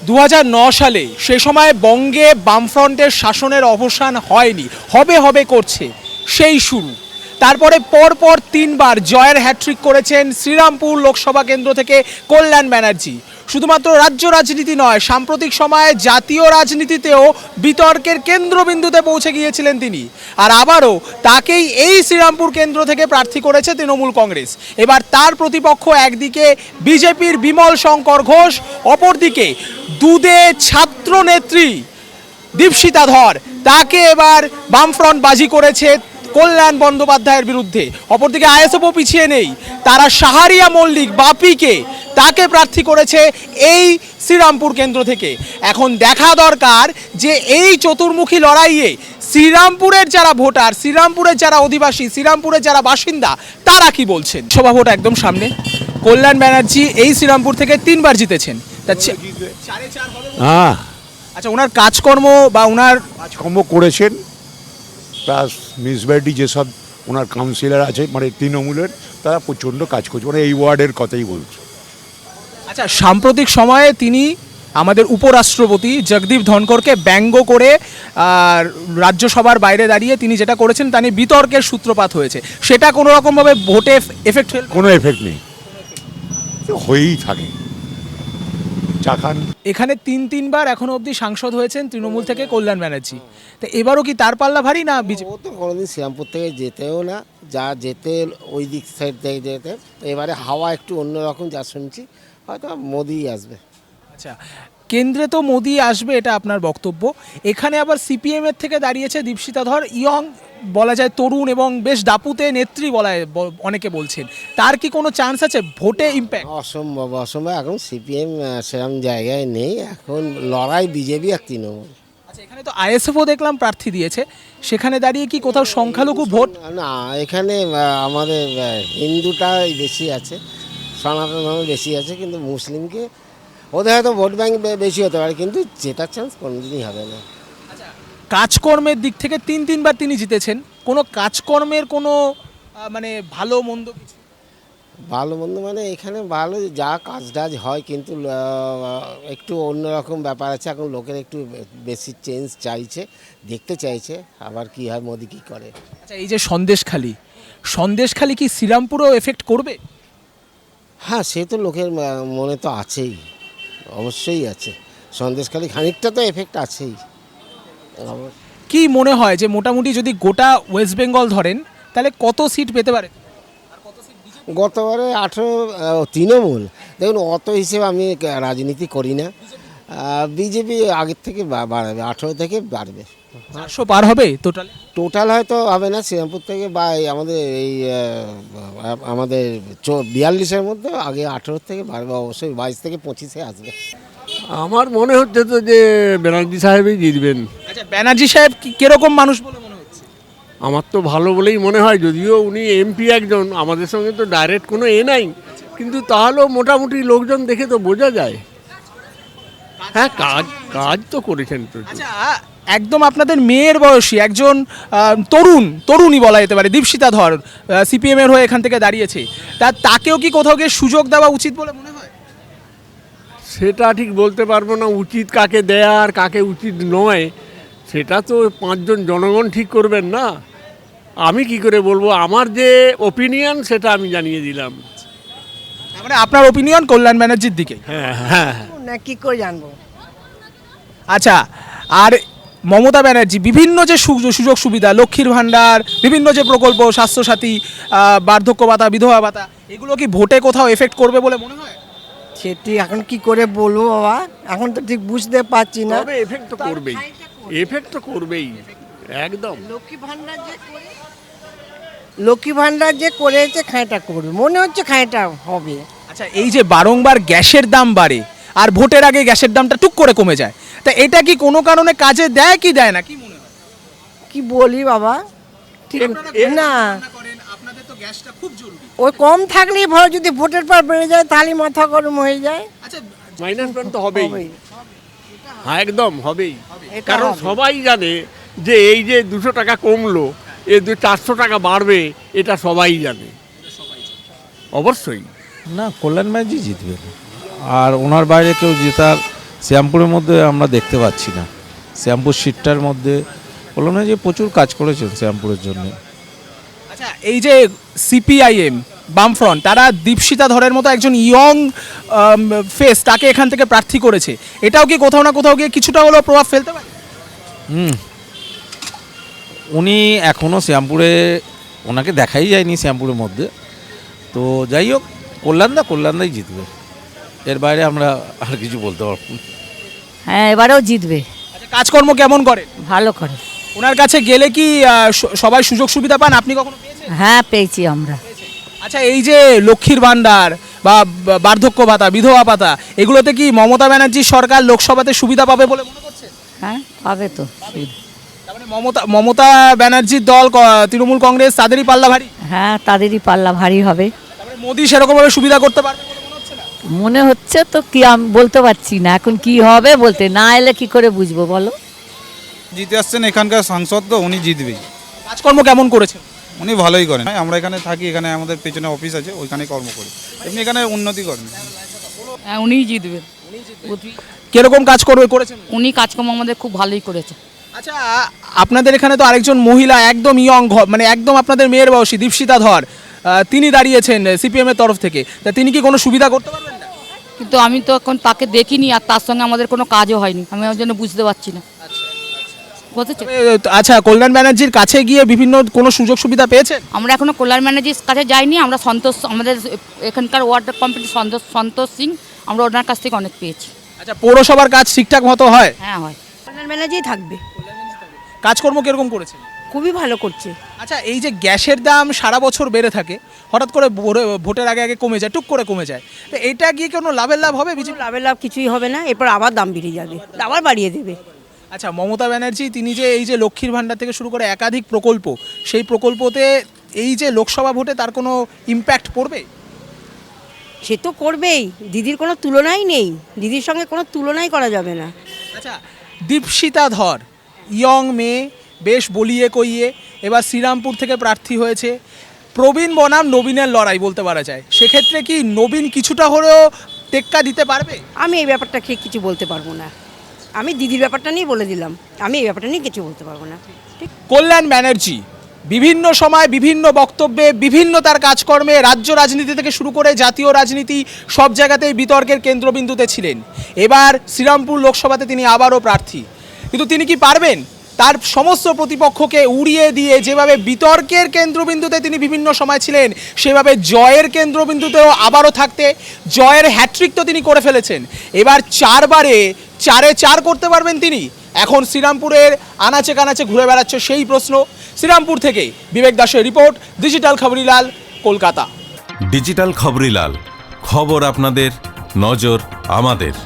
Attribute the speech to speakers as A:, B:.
A: 2009 সালে সে সময় বঙ্গে বামফ্রন্টের শাসনের অবসান হয়নি, হবে হবে করছে, সেই শুরু। তারপরে পরপর 3 বার জয়ের হ্যাট্রিক করেছেন শ্রীরামপুর লোকসভা কেন্দ্র থেকে কল্যাণ ব্যানার্জি। শুধুমাত্র রাজ্য রাজনীতি নয়, সাম্প্রতিক সময়ে জাতীয় রাজনীতিতেও বিতর্কের কেন্দ্রবিন্দুতে পৌঁছে গিয়েছিলেন তিনি। আর আবারও তাকেই এই শ্রীরামপুর কেন্দ্র থেকে প্রার্থী করেছে তৃণমূল কংগ্রেস। এবার তার প্রতিপক্ষ একদিকে বিজেপির বিমল শঙ্কর ঘোষ, অপরদিকে দুধে ছাত্র নেত্রী দীপশিতা ধর। তাকে এবার বামফ্রন্ট বাজি করেছে কল্যাণ বন্দ্যোপাধ্যায়ের বিরুদ্ধে। অপরদিকে আইএসএফও পিছিয়ে নেই, তারা শাহারিয়া মল্লিক বাপিকে তাকে প্রার্থী করেছে এই শ্রীরামপুর কেন্দ্র থেকে। এখন দেখা দরকার যে এই চতুর্মুখী লড়াইয়ে শ্রীরামপুরের যারা ভোটার, শ্রীরামপুরের যারা অধিবাসী, শ্রীরামপুরের যারা বাসিন্দা, তারা কি বলছেন। সভা ভোট একদম সামনে, কল্যাণ ব্যানার্জি এই শ্রীরামপুর থেকে 3 বার জিতেছেন।
B: হ্যাঁ,
A: আচ্ছা, ওনার কাজকর্ম বা ওনার
B: কাজকর্ম করেছেন, প্লাস মিউনিসিপ্যালিটি যেসব ওনার কাউন্সিলর আছে মানে তৃণমূলের, তারা প্রচণ্ড কাজ করছে, মানে এই ওয়ার্ডের কথাই বলছে।
A: আচ্ছা, সাম্প্রতিক সময়ে তিনি আমাদের উপরাষ্ট্রপতি জগদীপ ধনকরকে ব্যঙ্গ করে আর রাজ্যসভার বাইরে দাঁড়িয়ে তিনি যেটা করেছেন তা নিয়ে বিতর্কের সূত্রপাত হয়েছে। সেটা কোনো রকমভাবে ভোটে এফেক্ট ফেল?
B: কোনো এফেক্ট নেই, হয়েই থাকে। চাকান
A: এখানে 3বার এখনো অবধি সাংসদ হয়েছেন তৃণমূল থেকে কল্যাণ ব্যানার্জি। তো এবারও কি তার পাল্লা ভারী না বিজেপি?
C: ও তো কোনোদিন শ্রীরামপুর থেকে যেতেও না, যা যেতে ওই দিক সাইড থেকে যেতে। এবারে হাওয়া একটু অন্যরকম, যা শুনছি হয়তো মোদিই আসবে।
A: আচ্ছা, কেন্দ্রে তো মোদি আসবে, এটা আপনার বক্তব্য। এখানে আবার সিপিএম এর থেকে দাঁড়িয়েছে দীপশিতা ধর, ইয়ং বলা যায়, তরুণ এবং বেশ দাপুতে নেত্রী অনেকে বলছেন। তার কি কোনো চান্স আছে ভোটে ইম্প্যাক্ট?
C: অসম্ভব অসম্ভব, এখন সিপিএম সেরকম জায়গায় নেই, এখন লড়াই বিজেপি আর তৃণমূল।
A: আচ্ছা, এখানে তো আইএসএফও দেখলাম প্রার্থী দিয়েছে, সেখানে দাঁড়িয়ে কি কোথাও সংখ্যালঘু ভোট?
C: না, এখানে আমাদের হিন্দুটাই বেশি আছে, সনাতন ধর্ম বেশি আছে, কিন্তু মুসলিমকে ওদের হয়তো ভোট ব্যাংক বেশি হতে পারে, কিন্তু জেতার চান্স কোনোদিনই হবে না।
A: কাজকর্মের দিক থেকে 3বার তিনি জিতেছেন, কোনো কাজকর্মের কোনো মানে ভালো মন্দ কিছু?
C: ভালো মন্দ মানে এখানে ভালো যা কাজ টাজ হয়, কিন্তু একটু অন্যরকম ব্যাপার আছে, এখন লোকের একটু বেশি চেঞ্জ চাইছে, দেখতে চাইছে আবার কি হয়, মোদি কী করে।
A: আচ্ছা, এই যে সন্দেশখালি কি শ্রীরামপুরেও এফেক্ট করবে?
C: হ্যাঁ, সে তো লোকের মনে তো আছেই, অবশ্যই আছে, সন্দেশখালি খানিকটা তো এফেক্ট আছেই।
A: কি মনে হয় যে মোটামুটি যদি গোটা ওয়েস্ট বেঙ্গল ধরেন তাহলে কত সিট পেতে পারে?
C: গতবারে 18 তৃণমূল, দেখুন অত হিসেবে আমি রাজনীতি করি না, বিজেপি আগের থেকে বাড়বে, 18 থেকে বাড়বে।
A: 400 পার হবে
C: টোটাল হয়তো হবে না শ্রীরামপুর থেকে, বা আমাদের এই আমাদের 42-এর মধ্যে আগে 18 থেকে বাড়বে, অবশ্যই 22 থেকে 25-এ আসবে।
D: আমার মনে হচ্ছে তো যে ব্যানার্জি সাহেবই জিতবেন।
A: আচ্ছা, ব্যানার্জি সাহেব কিরকম মানুষ বলে মনে হচ্ছে?
D: আমার তো ভালো বলেই মনে হয়, যদিও উনি এমপি একজন, আমাদের সঙ্গে তো ডাইরেক্ট কোনো নাই, কিন্তু তাহলেও মোটামুটি লোকজন দেখে তো বোঝা যায়। হ্যাঁ, কাজ তো করেছেন প্রচুর।
A: আচ্ছা, একদম আপনাদের মেয়ের বয়সী একজন তরুণী বলা যেতে পারে, দীপশিতা ধর, সিপিএম এর হয়ে এখান থেকে দাঁড়িয়েছে, তাকেও কি কোথাও গিয়ে সুযোগ দেওয়া উচিত বলে মনে হয়?
D: সেটা ঠিক বলতে পারবো না, উচিত কাকে দেয়া আর কাকে উচিত নয়, সেটা তো 5 জন জনগণ ঠিক করবেন না। আমি কি করে বলবো, আমার যে ওপিনিয়ন সেটা আমি জানিয়ে দিলাম।
A: মানে আপনার ওপিনিয়ন কল্যাণ ব্যানার্জির দিকে?
D: হ্যাঁ হ্যাঁ।
E: না, কি করে জানবো।
A: আচ্ছা, আর মমতা ব্যানার্জি বিভিন্ন যে সুযোগ সুবিধা, লক্ষ্মীর ভাণ্ডার, বিভিন্ন যে প্রকল্প, স্বাস্থ্যসাথী, বার্ধক্য ভাতা, বিধবা ভাতা, এগুলো কি ভোটে কোথাও এফেক্ট করবে বলে মনে হয়?
E: সেটি এখন কি করে বলবো বাবা, এখন তো ঠিক বুঝতে পারছি না।
D: তবে এফেক্ট তো করবেই, এফেক্ট তো করবেই একদম।
E: লক্ষ্মী ভাণ্ডার যে করেছে, খাঁটা করবে, মনে হচ্ছে খাঁটা হবে।
A: আচ্ছা, এই যে বারংবার গ্যাসের দাম বাড়ে আর ভোটের আগে গ্যাসের দামটা টুক করে কমে যায়, তা এটা কি কোনো কারণে কাজে দেয় কি দেয় না, কি মনে হয়?
E: কি বলি বাবা, ঠিক না,
A: আপনাদের তো গ্যাসটা খুব জরুরি।
E: ওই কম থাকলেই ভালো, যদি ভোটের পর বেড়ে যায় তাহলে মাথা গরম হয়ে যায়।
A: আচ্ছা,
D: মাইনাস পয়েন্ট তো হবেই। হ্যাঁ, একদম হবেই,
E: এটা
D: কারণ
E: হবে।
D: সবাই জানে যে এই যে 200 টাকা কমলো, 400 টাকা বাড়বে, এটা সবাই জানে, অবশ্যই।
F: না, কল্যাণ ব্যানার্জি জিতবে, আর ওনার বাইরে কেউ জেতার শ্যামপুরের মধ্যে আমরা দেখতে পাচ্ছি না। শ্যামপুর সিটটার মধ্যে বললাম না যে প্রচুর কাজ করেছেন শ্যামপুরের জন্য।
A: আচ্ছা, এই যে সিপিআইএম বামফ্রন্ট তারা দীপশিতা ধরের মতো একজন ইয়ং ফেস তাকে এখান থেকে প্রার্থী করেছে, এটাও কি কোথাও না কোথাও গিয়ে কিছুটা হলেও প্রভাব ফেলতে পারে?
F: উনি এখনও শ্যামপুরে, ওনাকে দেখাই যায়নি শ্যামপুরের মধ্যে। তো যাই হোক, কল্যাণদাই জিতবে, এর বাইরে আমরা আর কিছু বলতে পারবো না।
G: হ্যাঁ, এবারেও জিতবে।
A: আচ্ছা, কাজকর্ম কেমন করে?
G: ভালো করে।
A: ওনার কাছে গেলে কি সবাই সুযোগ সুবিধা পান? আপনি কখনো পেয়েছেন?
G: হ্যাঁ, পেয়েছি আমরা।
A: আচ্ছা, এই যে লক্ষ্মীর ভাণ্ডার বা বার্ধক্য ভাতা, বিধবা ভাতা, এগুলোতে কি মমতা ব্যানার্জির সরকার লোকসভাতে সুবিধা পাবে বলে মনে করছেন?
G: হ্যাঁ, পাবে তো।
A: তার মানে মমতা ব্যানার্জির দল, তৃণমূল কংগ্রেস, তাদেরই পাল্লা ভারী?
G: হ্যাঁ, তাদেরই পাল্লা ভারী হবে।
A: তার মানে মোদি সেরকমভাবে সুবিধা করতে পারবে বলে মনে হচ্ছে না?
G: মনে হচ্ছে তো, কি আমি বলতে পারছি না এখন কি হবে, বলতে না এলে কি করে বুঝবো বলো।
H: জিতে আসছেন এখানকার সাংসদ, তো উনি জিতবেই।
A: কাজকর্ম কেমন করেছেন?
H: উনি ভালোই করেন। আমরা এখানে থাকি, এখানে আমাদের পেছনে অফিস আছে, ওইখানে কর্ম করি। এমনি এখানে উন্নতি করেন।
I: হ্যাঁ, উনিই জিতবেন।
A: কিরকম কাজ করেছেন?
I: উনি কাজকর্ম আমাদের খুব ভালোই করেছে।
A: আচ্ছা, আপনাদের এখানে তো আরেকজন মহিলা একদম ইয়ং, মানে একদম আপনাদের মেয়ের বয়সী, দীপশিতা ধর, তিনি দাঁড়িয়েছেন সিপিএম এর তরফ থেকে, তা তিনি কি কোনো সুবিধা করতে পারবেন না?
I: কিন্তু আমি তো এখন তাকে দেখিনি, আর তার সঙ্গে আমাদের কোনো কাজও হয়নি, আমি ওর জন্য বুঝতে পারছি না। বুঝেছে?
A: আচ্ছা, কল্যাণ ব্যানার্জির কাছে গিয়ে বিভিন্ন কোনো সুযোগ সুবিধা পেয়েছেন?
I: আমরা এখনো কল্যাণ ব্যানার্জির কাছে যাইনি, আমরা আমাদের এখানকার ওয়ার্ড কমিটি সন্তোষ সিং, আমরা ওনার কাছ থেকে অনেক পেয়েছি।
A: আচ্ছা, পৌরসভার কাজ ঠিকঠাক মতো হয়?
I: হ্যাঁ, হয়।
E: কল্যাণ ব্যানার্জি থাকবে।
A: কাজকর্ম কিরকম করেছেন?
E: খুবই ভালো করছে।
A: আচ্ছা, এই যে গ্যাসের দাম সারা বছর বেড়ে থাকে, হঠাৎ করে ভোটের আগে আগে কমে যায়, টুক করে কমে যায়, তো এটা গিয়ে কোনো লাভের লাভ হবে বিজেপি?
E: লাভের লাভ কিছুই হবে না, এরপর আবার দাম বেড়ে যাবে, আবার বাড়িয়ে দেবে।
A: আচ্ছা, মমতা ব্যানার্জি তিনি যে এই যে লক্ষ্মীর ভাণ্ডার থেকে শুরু করে একাধিক প্রকল্প, সেই প্রকল্পতে এই যে লোকসভা ভোটে তার কোনো ইম্প্যাক্ট পড়বে?
E: সে তো করবেই, দিদির কোনো তুলনাই নেই, দিদির সঙ্গে কোনো তুলনাই করা যাবে না।
A: আচ্ছা, দীপশিতা ধর ইয়ং মেয়ে, বেশ বলিয়ে কইয়ে, এবার শ্রীরামপুর থেকে প্রার্থী হয়েছে। প্রবীণ বনাম নবীনের লড়াই বলতে পারা যায়, সেক্ষেত্রে কি নবীন কিছুটা হলেও টেক্কা দিতে পারবে?
E: আমি এই ব্যাপারটা কিছু বলতে পারবো না, আমি দিদির ব্যাপারটা নিয়ে বলে দিলাম, আমি এই ব্যাপারটা নিয়ে কিছু বলতে পারবো না। ঠিক।
A: কল্যাণ ব্যানার্জি বিভিন্ন সময় বিভিন্ন বক্তব্যে, বিভিন্ন তার কাজকর্মে, রাজ্য রাজনীতি থেকে শুরু করে জাতীয় রাজনীতি, সব জায়গাতেই বিতর্কের কেন্দ্রবিন্দুতে ছিলেন। এবার শ্রীরামপুর লোকসভাতে তিনি আবারও প্রার্থী, কিন্তু তিনি কি পারবেন তার সমস্ত প্রতিপক্ষকে উড়িয়ে দিয়ে যেভাবে বিতর্কের কেন্দ্রবিন্দুতে তিনি বিভিন্ন সময় ছিলেন, সেভাবে জয়ের কেন্দ্রবিন্দুতেও আবারও থাকতে? জয়ের হ্যাট্রিক তো তিনি করে ফেলেছেন, এবার 4 করতে পারবেন তিনি? এখন শ্রীরামপুরের আনাচে কানাচে ঘুরে বেড়াচ্ছে সেই প্রশ্ন। শ্রীরামপুর থেকে বিবেক দাসের report, digital Khaborilal, Kolkata.
J: Digital Khaborilal, খবর আপনাদের, নজর আমাদের।